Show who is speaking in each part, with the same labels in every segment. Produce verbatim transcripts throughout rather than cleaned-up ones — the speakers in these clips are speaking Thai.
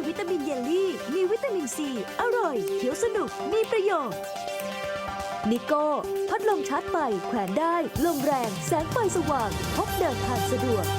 Speaker 1: วิตามินเยลลี่มีวิตามินซีอร่อยเคี้ยวสนุกมีประโยชน์นิโก้พัดลมชาร์จไฟแขวนได้ลมแรงแสงไฟสว่างพกเดินทางสะดวก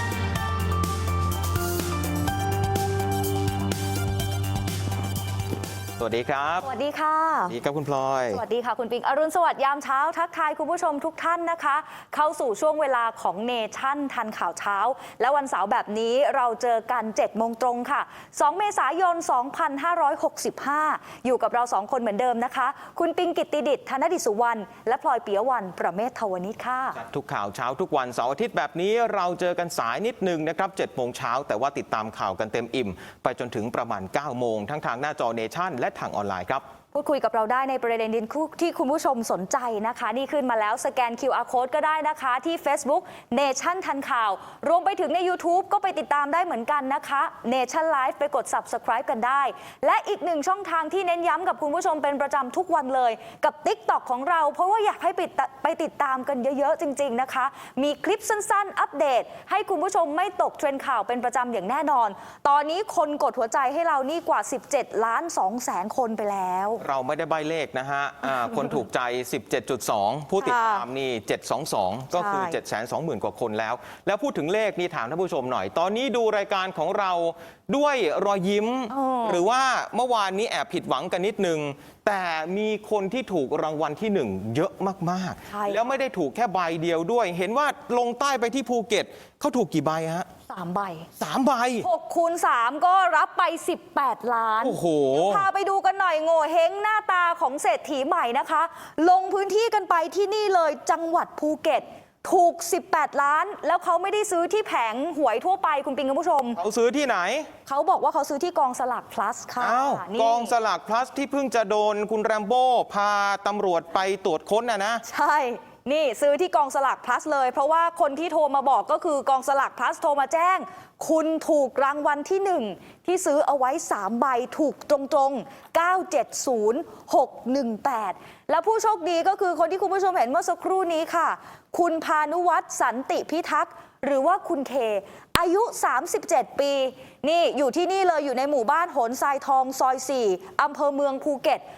Speaker 2: สวัสดีครับ
Speaker 3: สวัสดีค่ะ
Speaker 2: สวัสดีครับคุณพลอย
Speaker 3: สวัสดีค่ะคุณปิงอรุณสวัสดิ์ยามเช้าทักทายคุณผู้ชมทุกท่านนะคะเข้าสู่ช่วงเวลาของเนชั่นทันข่าวเช้าและวันเสาร์แบบนี้เราเจอกันเจ็ดโมงตรงค่ะสองเมษายนสองพันห้าร้อยหกสิบห้าอยู่กับเราสองคนเหมือนเดิมนะคะคุณปิงกิตติดิษฐ์ธนดิษฐ์สุวรรณและพลอยปิยวรรณประเมศทวนิชค่ะ
Speaker 2: ทุกข่าวเช้าทุกวันเสาร์อาทิตย์แบบนี้เราเจอกันสายนิดนึงนะครับเจ็ดโมงเช้าแต่ว่าติดตามข่าวกันเต็มอิ่มไปจนถึงประมาณเก้าโมงทั้งทางหน้าจอเนชั่นและทางออนไลน์ครับ
Speaker 3: พูดคุยกับเราได้ในประเด็นที่คุณผู้ชมสนใจนะคะนี่ขึ้นมาแล้วสแกน คิว อาร์ Code ก็ได้นะคะที่ Facebook Nation ทันข่าวรวมไปถึงใน YouTube ก็ไปติดตามได้เหมือนกันนะคะ Nation Live ไปกด Subscribe กันได้และอีกหนึ่งช่องทางที่เน้นย้ำกับคุณผู้ชมเป็นประจำทุกวันเลยกับ TikTok ของเราเพราะว่าอยากให้ไปติดตามกันเยอะๆจริงๆนะคะมีคลิปสั้นๆอัปเดตให้คุณผู้ชมไม่ตกเทรนด์ข่าวเป็นประจำอย่างแน่นอนตอนนี้คนกดหัวใจให้เรานี่กว่าสิบเจ็ดล้านสองแสนคนไปแล้ว
Speaker 2: เราไม่ได้ใบเลขนะฮะคนถูกใจ สิบเจ็ดจุดสอง ผู้ติดตามนี่เจ็ดร้อยยี่สิบสอง ก็คือ เจ็ดแสนสองหมื่น กว่าคนแล้วแล้วพูดถึงเลขนี่ถามท่านผู้ชมหน่อยตอนนี้ดูรายการของเราด้วยรอยยิ้มหรือว่าเมื่อวานนี้แอบผิดหวังกันนิดนึงแต่มีคนที่ถูกรางวัลที่หนึ่งเยอะมากๆแล้วไม่ได้ถูกแค่ใบเดียวด้วยเห็นว่าลงใต้ไปที่ภูเก็ตเขาถูกกี่ใบฮะ
Speaker 3: สามใบ
Speaker 2: สามใบ
Speaker 3: หกคูณสามก็รับไปสิบแปดล้าน
Speaker 2: โอ้โห
Speaker 3: พาไปดูกันหน่อยโง่เฮงหน้าตาของเศรษฐีใหม่นะคะลงพื้นที่กันไปที่นี่เลยจังหวัดภูเก็ตถูกสิบแปดล้านแล้วเขาไม่ได้ซื้อที่แผงหวยทั่วไปคุณปิงคุณผู้ชม
Speaker 2: เขาซื้อที่ไหน
Speaker 3: เขาบอกว่าเขาซื้อที่กองสลาก plus ค่ะ
Speaker 2: อ้าวกองสลาก plus ที่เพิ่งจะโดนคุณแรมโบ้พาตำรวจไปตรวจค้นนะนะ
Speaker 3: ใช่นี่ซื้อที่กองสลาก plus เลยเพราะว่าคนที่โทรมาบอกก็คือกองสลาก plus โทรมาแจ้งคุณถูกรางวัลที่หนึ่งที่ซื้อเอาไว้สามใบถูกตรงๆเก้า เจ็ด ศูนย์ หก หนึ่ง แปดแล้วผู้โชคดีก็คือคนที่คุณผู้ชมเห็นเมื่อสักครู่นี้ค่ะคุณพานุวัฒน์สันติพิทักษ์หรือว่าคุณเคอายุสามสิบเจ็ดปีนี่อยู่ที่นี่เลยอยู่ในหมู่บ้านโหนทรายทองซอยสี่อำเภอเมืองภูเก็ต